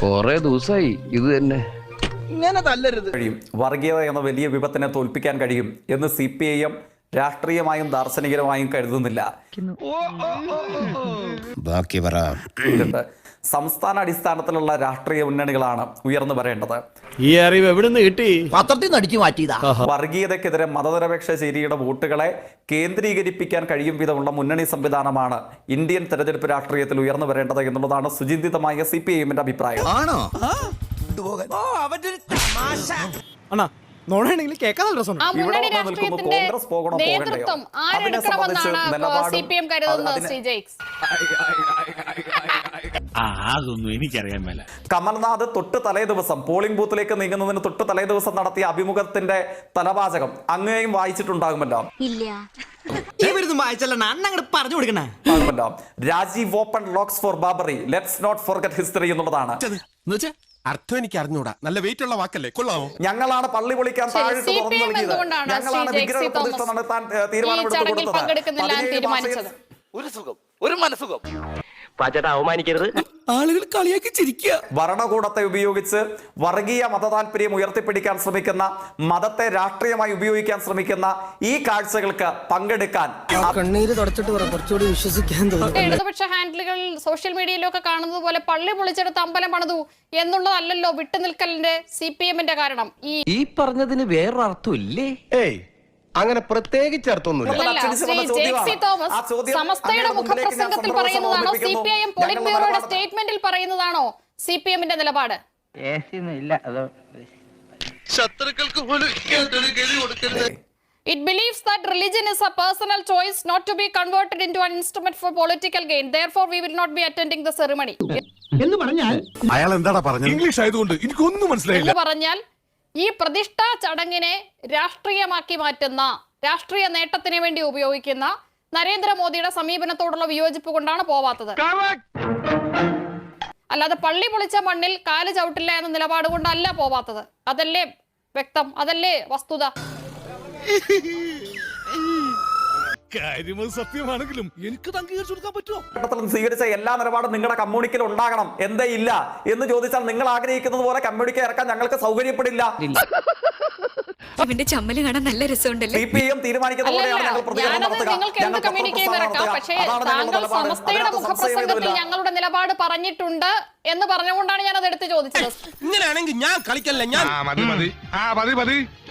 കൊറേ ദിവസമായി ഇത് തന്നെ. ഇങ്ങനെ തല്ലരുത്. വർഗീയത എന്ന വലിയ വിപത്തിനെ തോൽപ്പിക്കാൻ കഴിയും എന്ന് CPIM രാഷ്ട്രീയമായും ദാർശനികരമായും കരുതുന്നില്ല. ബാക്കി പറ. സംസ്ഥാന അടിസ്ഥാനത്തിലുള്ള രാഷ്ട്രീയ മുന്നണികളാണ് ഉയർന്നു വരേണ്ടത്. ഈ അറിവ് എവിടുന്ന് കിട്ടി? പത്രത്തിൽ നിന്ന് അടിച്ചു മാറ്റിയതാ. വർഗീയതയ്ക്കെതിരെ മതനിരപേക്ഷ ശരിയുടെ വോട്ടുകളെ കേന്ദ്രീകരിപ്പിക്കാൻ കഴിയും വിധമുള്ള മുന്നണി സംവിധാനമാണ് ഇന്ത്യൻ തെരഞ്ഞെടുപ്പ് രാഷ്ട്രീയത്തിൽ ഉയർന്നു വരേണ്ടത് എന്നുള്ളതാണ് സുചിന്തിതമായ CPIMന്റെ അഭിപ്രായം. കോൺഗ്രസ് പോകണോ പോകണ്ടയോ അതിനെ സംബന്ധിച്ച് അതൊന്നും എനിക്കറിയാൻ മേല. കമൽനാഥ് തൊട്ട് തലേ ദിവസം പോളിംഗ് ബൂത്തിലേക്ക് നീങ്ങുന്നതിന് തൊട്ട് തലേ ദിവസം നടത്തിയ അഭിമുഖത്തിന്റെ തലവാചകം അങ്ങനെയും വായിച്ചിട്ടുണ്ടാകുമല്ലോ. Rajiv open locks for Babri, let's not forget history എന്നുള്ളതാണ്. അർത്ഥം എനിക്ക് അറിഞ്ഞൂടാ. നല്ല വെയിറ്റ് ഉള്ള വാക്കല്ലേ, കൊള്ളാമോ? ഞങ്ങളാണ് പള്ളി പൊളിക്കാൻ താഴിട്ട് തുറന്നു നൽകിയത്, ഞങ്ങളാണ് വിഗ്രഹ പ്രതിഷ്ഠ നടത്താൻ തീരുമാനമെടുത്ത് കൊടുത്തത്. ഒരു സുഖം, ഒരു മനസുഖം. അവമാനിക്കരുത്. ആളുകൾ കളിയാക്കി ചിരിക്കുക. ഭരണകൂടത്തെ ഉപയോഗിച്ച് വർഗീയ മതതാൽപര്യം ഉയർത്തിപ്പിടിക്കാൻ ശ്രമിക്കുന്ന, മതത്തെ രാഷ്ട്രീയമായി ഉപയോഗിക്കാൻ ശ്രമിക്കുന്ന ഈ കാഴ്ചകൾക്ക് പങ്കെടുക്കാൻ കണ്ണീര് തുടച്ചിട്ട് കുറച്ചുകൂടി വിശ്വസിക്കാൻ തോന്നുന്നു. ഇടതുപക്ഷ ഹാൻഡിലുകൾ സോഷ്യൽ മീഡിയയിലൊക്കെ കാണുന്നത് പോലെ പള്ളി പൊളിച്ചെടുത്ത് അമ്പലം പണിതു എന്നുള്ളതല്ലല്ലോ വിട്ടുനിൽക്കലിന്റെ CPIMന്റെ കാരണം. ഈ പറഞ്ഞതിന് വേറൊരർത്ഥം ഇല്ലേ? ഏയ്, അങ്ങനെ പ്രത്യേകിച്ച് അർത്ഥമൊന്നുമില്ല. സമസ്തയുടെ മുഖപ്രസംഗത്തിൽ പറയുന്നതാണോ CPIM പൊളിറ്റ് ബ്യൂറോയുടെ സ്റ്റേറ്റ്മെന്റിൽ പറയുന്നതാണോ CPIMന്റെ നിലപാട്? It believes that religion is a personal choice not to be converted into an instrument for political gain. Therefore, we will not be attending the ceremony. എന്ന് പറഞ്ഞാൽ അയാൾ എന്താടാ പറഞ്ഞത്? ഇംഗ്ലീഷ് ആയതുകൊണ്ട് എനിക്കൊന്നും മനസ്സിലായില്ല. എന്ന് പറഞ്ഞാൽ ഈ പ്രതിഷ്ഠാ ചടങ്ങിനെ രാഷ്ട്രീയമാക്കി മാറ്റുന്ന, രാഷ്ട്രീയ നേട്ടത്തിന് വേണ്ടി ഉപയോഗിക്കുന്ന നരേന്ദ്രമോദിയുടെ സമീപനത്തോടുള്ള വിയോജിപ്പ് കൊണ്ടാണ് പോവാത്തത്. അല്ലാതെ പള്ളി പൊളിച്ച മണ്ണിൽ കാല് ചവിട്ടില്ല എന്ന നിലപാട് കൊണ്ടല്ല പോവാത്തത്. അതല്ലേ വ്യക്തം, അതല്ലേ വസ്തുത. സത്യമാണെങ്കിലും എനിക്ക് അംഗീകരിച്ചു കൊടുക്കാൻ പറ്റുമോ? സ്വീകരിച്ച എല്ലാ നിലപാടും നിങ്ങളുടെ കമ്മ്യൂണിക്കൽ ഉണ്ടാകണം, എന്തേ ഇല്ല എന്ന് ചോദിച്ചാൽ നിങ്ങൾ ആഗ്രഹിക്കുന്നത് പോലെ കമ്മ്യൂണിക്ക ഇറക്കാൻ ഞങ്ങൾക്ക് സൗകര്യപ്പെടില്ല. ഇവന്റെ ചമ്മല് കാണാൻ നല്ല രസമുണ്ടല്ലോ. CPIM തീരുമാനിക്കുന്ന പോലെയാണ് ഞങ്ങൾ പ്രതികരണം നടത്തുക. സമസ്തയുടെ മുഖപ്രസംഗത്തിൽ ഞങ്ങളുടെ നിലപാട് പറഞ്ഞിട്ടുണ്ട് എന്ന് പറഞ്ഞുകൊണ്ടാണ് ഞാൻ അത് എടുത്ത് ചോദിച്ചത്. ഇങ്ങനെയാണെങ്കിൽ ഞാൻ കളിക്കല്ല. ഞാൻ